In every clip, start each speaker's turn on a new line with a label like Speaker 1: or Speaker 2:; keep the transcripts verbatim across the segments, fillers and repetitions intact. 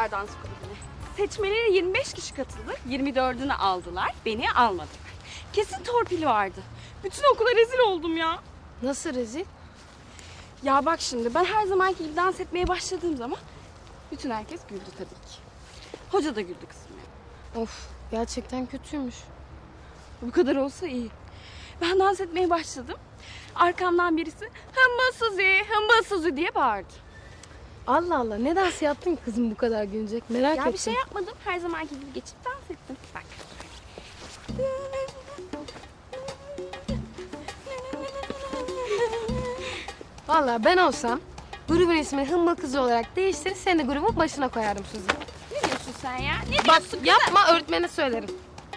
Speaker 1: aldılar dans kulübüne. Seçmelere yirmi beş kişi katıldı. yirmi dördünü aldılar. Beni almadılar. Kesin torpil vardı. Bütün okula rezil oldum ya.
Speaker 2: Nasıl rezil?
Speaker 1: Ya bak şimdi ben her zamanki gibi dans etmeye başladığım zaman bütün herkes güldü tabii ki. Hoca da güldü kızım ya.
Speaker 2: Of, gerçekten kötüymüş.
Speaker 1: Bu kadar olsa iyi. Ben dans etmeye başladım. Arkamdan birisi hımbıl Suzi, hımbıl Suzi diye bağırdı.
Speaker 2: Allah Allah, ne dans yaptın ki kızım bu kadar gülecek? Merak
Speaker 1: Ya
Speaker 2: ettim.
Speaker 1: bir şey yapmadım. Her zamanki gibi geçip dans ettim. Bak.
Speaker 2: Vallahi ben olsam grubun ismini Hımbıl Kızı olarak değiştirir, seni de grubun başına koyardım Suzi.
Speaker 1: Ne diyorsun sen ya? Ne
Speaker 2: Bak
Speaker 1: diyorsun kızım?
Speaker 2: yapma, öğretmene söylerim.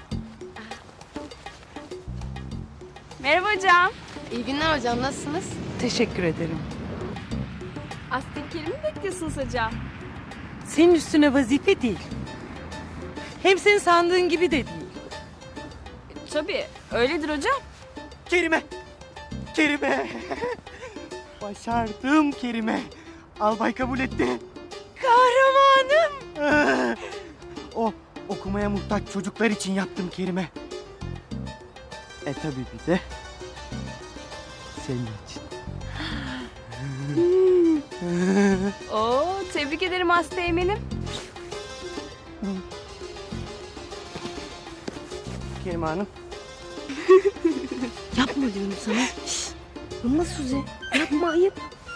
Speaker 1: Merhaba hocam.
Speaker 2: İyi günler hocam, nasılsınız?
Speaker 3: Teşekkür ederim.
Speaker 1: Aztekleri mi bekliyorsunuz hocam?
Speaker 3: Senin üstüne vazife değil. Hem senin sandığın gibi de değil.
Speaker 1: E, tabii öyledir hocam.
Speaker 4: Kerime! Kerime! Başardım Kerime. Albay kabul etti.
Speaker 3: Kahramanım!
Speaker 4: O okumaya muhtaç çocuklar için yaptım Kerime. E tabii bir de senin için.
Speaker 1: Oo, tebrik ederim hasta eminim.
Speaker 4: Kerime Hanım.
Speaker 2: Yapma diyorum sana. Şşş. Hımbıl Suzi, yapma, ayıp.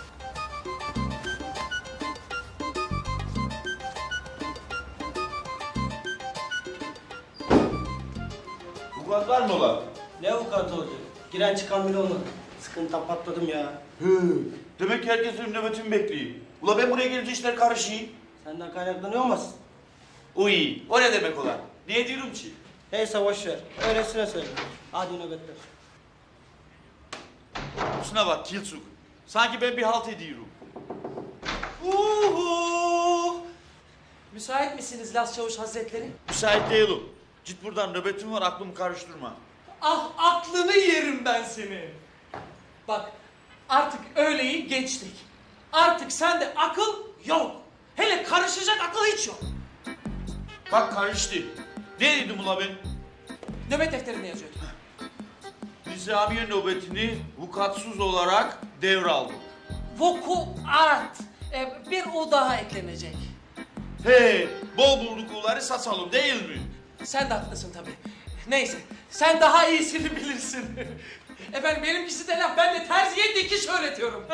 Speaker 5: Vukuat var mı ulan?
Speaker 6: Ne avukatı olacak? Giren çıkan bile olmadı. Sıkıntıdan patladım ya.
Speaker 5: Hı. Demek ki herkes benim nöbetimi bekliyor. Ula ben buraya gelince işler karışıyor.
Speaker 6: Senden kaynaklanıyor olmasın?
Speaker 5: Uy, o ne demek ulan? Niye diyorum ki?
Speaker 6: Neyse boş ver. Öylesine söyle. Hadi nöbetler.
Speaker 5: Şuna bak Kilsuk. Sanki ben bir halt ediyorum. Uhu!
Speaker 7: Müsait misiniz Las Çavuş Hazretleri?
Speaker 5: Müsait değilim. Git buradan, nöbetim var, aklımı karıştırma.
Speaker 7: Ah, aklını yerim ben seni. Bak, artık öğleyi geçtik. Artık sende akıl yok. Hele karışacak akıl hiç yok.
Speaker 5: Bak karıştı. Ne dedim ula ben?
Speaker 7: Nöbet defterinde yazıyordu.
Speaker 5: Nizamiye nöbetini vukuatsız olarak devraldım.
Speaker 7: Vukuat. Ee, bir U daha eklenecek.
Speaker 5: He, bol bulduk uları saçalım değil mi?
Speaker 7: Sen de haklısın tabii. Neyse, sen daha iyisini bilirsin. Efendim benimkisi de laf, ben de terziye dikiş öğretiyorum.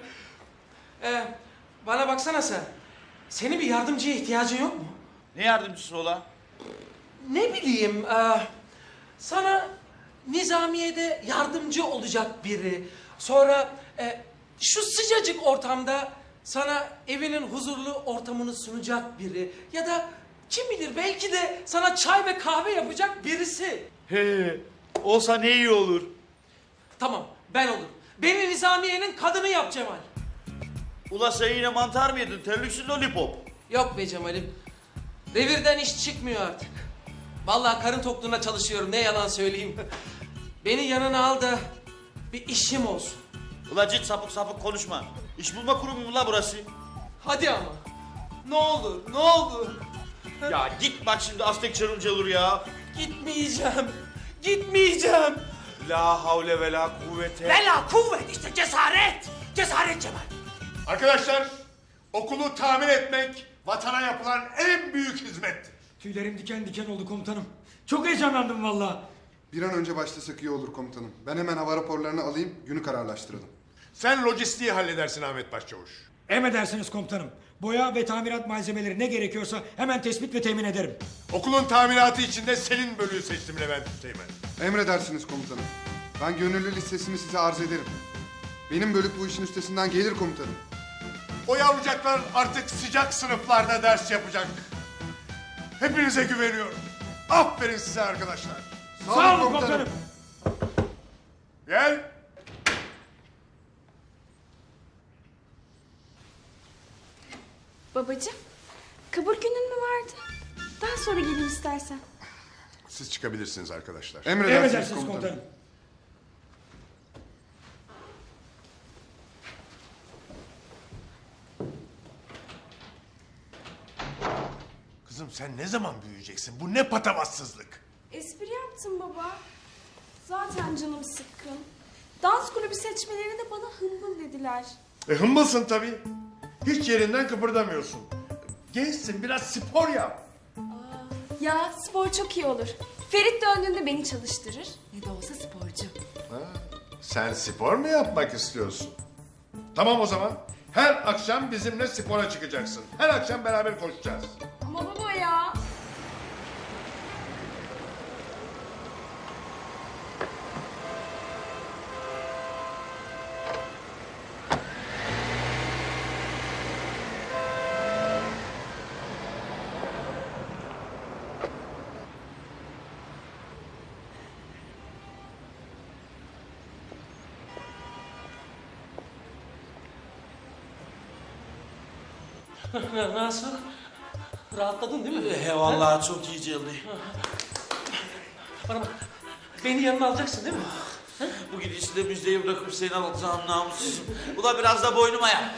Speaker 7: ee, bana baksana sen. Senin bir yardımcıya ihtiyacın yok mu?
Speaker 5: Ne yardımcısı ola?
Speaker 7: Ne bileyim, e, sana nizamiyede yardımcı olacak biri. Sonra e, şu sıcacık ortamda sana evinin huzurlu ortamını sunacak biri. Ya da kim bilir belki de sana çay ve kahve yapacak birisi.
Speaker 5: He, olsa ne iyi olur.
Speaker 7: Tamam, ben olurum. Beni nizamiyenin kadını yap Cemal.
Speaker 5: Ula sen yine mantar mı yedin? Terliksiz lollipop.
Speaker 7: Yok be Cemal'im. Revirden iş çıkmıyor artık. Vallahi karın tokluğuna çalışıyorum, ne yalan söyleyeyim. Beni yanına al da bir işim olsun.
Speaker 5: Ula git sapık sapık konuşma. İş bulma kurumu mu la burası?
Speaker 7: Hadi ama. Ne olur, ne olur.
Speaker 5: Ya git bak şimdi Aztek çarımcı olur ya.
Speaker 7: Gitmeyeceğim. Gitmeyeceğim.
Speaker 5: La havle ve la kuvvete.
Speaker 7: Bela kuvvet, işte cesaret. Cesaret Cemal.
Speaker 8: Arkadaşlar, okulu tamir etmek vatana yapılan en büyük hizmettir.
Speaker 9: Tüylerim diken diken oldu komutanım. Çok heyecanlandım vallahi.
Speaker 10: Bir an önce başlasak iyi olur komutanım. Ben hemen hava raporlarını alayım, günü kararlaştıralım.
Speaker 8: Sen lojistiği halledersin Ahmet Başçavuş.
Speaker 9: Emredersiniz komutanım. Boya ve tamirat malzemeleri ne gerekiyorsa hemen tespit ve temin ederim.
Speaker 8: Okulun tamiratı için de senin bölüğü seçtim Levent Üsteğmen.
Speaker 10: Emredersiniz komutanım. Ben gönüllü listesini size arz ederim. Benim bölük bu işin üstesinden gelir komutanım.
Speaker 8: O yavrucaklar artık sıcak sınıflarda ders yapacak. Hepinize güveniyorum. Aferin size arkadaşlar.
Speaker 10: Sağ,
Speaker 9: Sağ
Speaker 10: olun
Speaker 9: olun komutanım.
Speaker 8: Gel.
Speaker 1: Babacığım, kabul günün mü vardı? Daha sonra geleyim istersen.
Speaker 8: Siz çıkabilirsiniz arkadaşlar.
Speaker 10: Emredersiniz,
Speaker 9: Emredersiniz
Speaker 10: komutanım.
Speaker 9: komutanım.
Speaker 8: Kızım sen ne zaman büyüyeceksin? Bu ne patavatsızlık?
Speaker 1: Espri yaptım baba. Zaten canım sıkkın. Dans kulübü seçmelerinde bana hımbıl dediler.
Speaker 8: E hımbılsın tabii. Hiç yerinden kıpırdamıyorsun. Gençsin, biraz spor yap.
Speaker 1: Ya spor çok iyi olur. Ferit döndüğünde beni çalıştırır. Ne de olsa sporcu.
Speaker 8: Ha, sen spor mu yapmak istiyorsun? Tamam o zaman. Her akşam bizimle spora çıkacaksın. Her akşam beraber koşacağız.
Speaker 1: Ama baba ya.
Speaker 7: Nasıl? Rahatladın değil mi?
Speaker 5: He vallahi çok iyi geldi.
Speaker 7: Bana bak. Beni yanına alacaksın değil mi?
Speaker 5: Bu gidişle müjdeyi bırakıp seni alacağım namussuzum. Ula biraz da boynuma ya.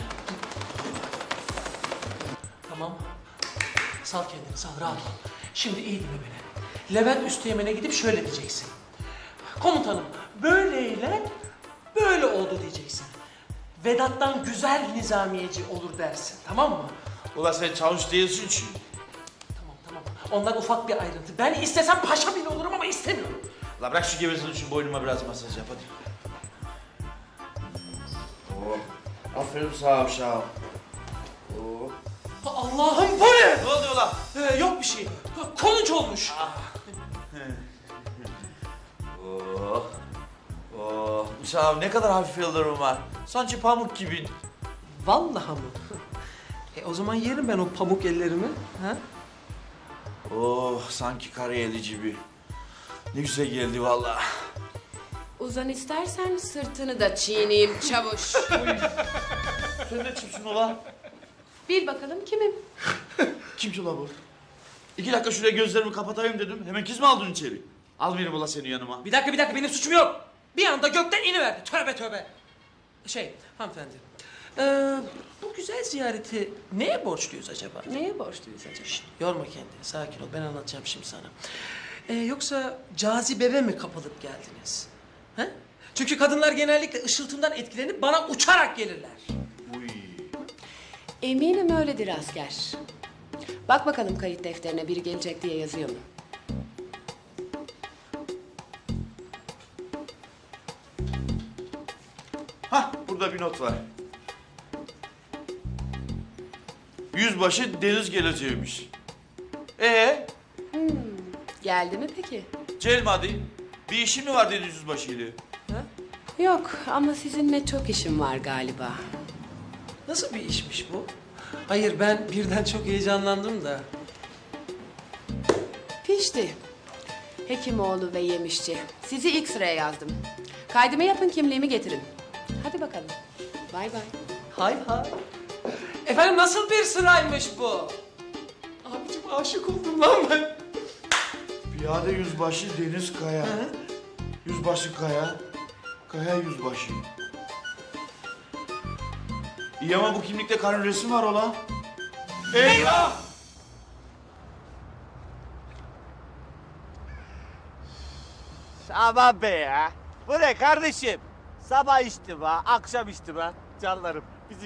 Speaker 7: Tamam. Sal kendini, sal, rahat ol. Şimdi iyi dinle beni. Levent Üsteğmen'e gidip şöyle diyeceksin. Komutanım, böyleyle böyle oldu diyeceksin. Vedat'tan güzel nizamiyeci olur dersin, tamam mı?
Speaker 5: Ula sen çavuş değilsin çünkü.
Speaker 7: Tamam, tamam. Ondan ufak bir ayrıntı. Ben istesem paşa bile olurum ama istemiyorum.
Speaker 5: La bırak şu gevezini şu boynuma biraz masaj yap hadi. Oh. Aferin sağ ol sağ ol. Oh.
Speaker 7: Allah'ım bu ne?
Speaker 5: Ne oluyor la?
Speaker 7: Ee, yok bir şey. Konuç olmuş.
Speaker 5: Oh. Oh. Uşağım ne kadar hafif ellerim var. Sanki pamuk gibi.
Speaker 7: Vallahi mı? E o zaman yerim ben o pamuk ellerimi. Ha?
Speaker 5: Oh sanki karayeli gibi. Ne güzel geldi vallahi.
Speaker 2: Uzan istersen sırtını da çiğneyim çavuş.
Speaker 5: Sen ne kimsin ula?
Speaker 2: Bil bakalım kimim?
Speaker 5: Kim ki ula bu? İki dakika şuraya gözlerimi kapatayım dedim. Hemen kız mı aldın içeri? Al beni ula seni yanıma.
Speaker 7: Bir dakika bir dakika benim suçum yok. Bir anda gökten iniverdi. Tövbe tövbe. Şey hanımefendi. Ee, bu güzel ziyareti neye borçluyuz acaba?
Speaker 2: Neye borçluyuz acaba?
Speaker 7: Şşt, yorma kendini, sakin ol. Ben anlatacağım şimdi sana. Ee, yoksa cazibeme mi kapılıp geldiniz? He? Çünkü kadınlar genellikle ışıltımdan etkilenip bana uçarak gelirler.
Speaker 5: Uy.
Speaker 2: Eminim öyledir asker. Bak bakalım kayıt defterine biri gelecek diye yazıyor mu?
Speaker 5: Hah burada bir not var. Yüzbaşı Deniz geleceğiymiş. Ee,
Speaker 2: Geldi mi peki?
Speaker 5: Celmadi, bir işin mi var dedi yüzbaşıyla?
Speaker 2: Yok ama sizinle çok işim var galiba.
Speaker 7: Nasıl bir işmiş bu? Hayır ben birden çok heyecanlandım da.
Speaker 2: Pişti. Hekimoğlu ve Yemişçi. Sizi ilk sıraya yazdım. Kaydımı yapın, kimliğimi getirin. Hadi bakalım. Bay bay.
Speaker 7: Hay hay. Efendim nasıl bir sıraymış bu? Abicim aşık oldum lan ben.
Speaker 5: Piyade yüzbaşı Deniz Kaya. Yüzbaşı Kaya. Kaya yüzbaşı. İyi ama bu kimlikte karın resmi var ola. Eyvah!
Speaker 11: Aman be ya. Bu ne kardeşim? Sabah içtim ha, akşam içtim ha. Canlarım.